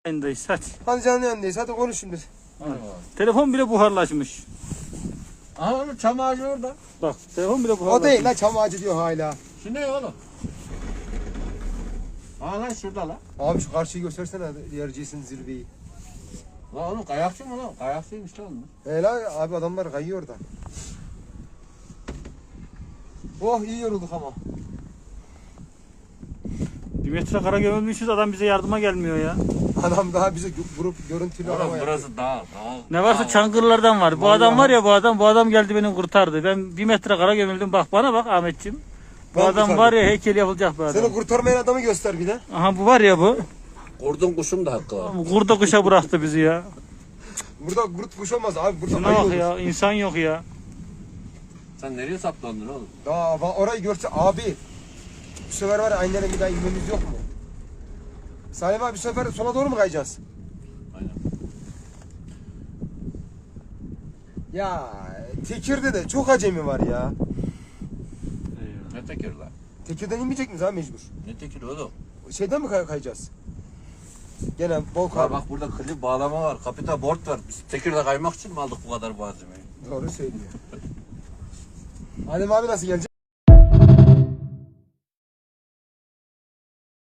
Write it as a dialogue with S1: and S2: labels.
S1: Yayındayız hadi.
S2: Hadi canlı yayındayız. Hadi konuş şimdi.
S1: Telefon bile buharlaşmış.
S3: Aha oğlum çam ağacı orada.
S1: Bak telefon bile
S2: O
S1: buharlaşmış.
S2: değil la, çam ağacı diyor hala.
S3: Şu ne oğlum? Aa lan şurada lan.
S2: Abi şu karşıyı göstersene, yercisin zirveyi.
S3: Lan oğlum kayakçı mı lan? Kayakçıymış lan onlar.
S2: La abi, adamlar kayıyor orada. Oh, iyi yorulduk ama.
S1: 1 metre kara gömülmüşüz, adam bize yardıma gelmiyor ya.
S2: Adam daha bize vurup görüntülü
S3: Oğlum
S2: arama yapıyor.
S3: burası dağ.
S1: Ne varsa Çankırılardan var. Bu adam var ya, bu adam geldi beni kurtardı. Ben 1 metre kara gömüldüm. Bak bana bak Ahmetciğim. Bu
S2: Ben
S1: adam
S2: kurtardım.
S1: var ya, heykel yapılacak bu adam.
S2: Seni kurtarmayan adamı göster bir de.
S1: Aha bu var ya bu.
S3: Kurdun kuşun da hakkı var.
S1: Kurda kuşa bıraktı bizi ya.
S2: Burada kurt kuş olmaz abi. Burada
S1: Şuna
S2: ayı
S1: bak
S2: olur.
S1: ya, insan yok ya.
S3: Sen nereye saplandın oğlum?
S2: Daha orayı görse abi. Bu sefer var ya, aynı bir daha inmemiz yok mu? Salim abi, bu sefer sola doğru mu kayacağız?
S3: Aynen.
S2: Ya Tekir'de de çok acemi var ya.
S3: Ne tekir lan?
S2: Tekir'den inmeyecek miyiz abi mecbur?
S3: Ne tekir oğlum?
S2: Şeyden mi kayacağız? Gene bol
S3: Ha
S2: kar.
S3: bak burada klip bağlama var. Kapita board var. Biz Tekir'de kaymak için mi aldık bu kadar malzemeyi?
S2: Doğru söylüyor. Adem abi nasıl gelecek?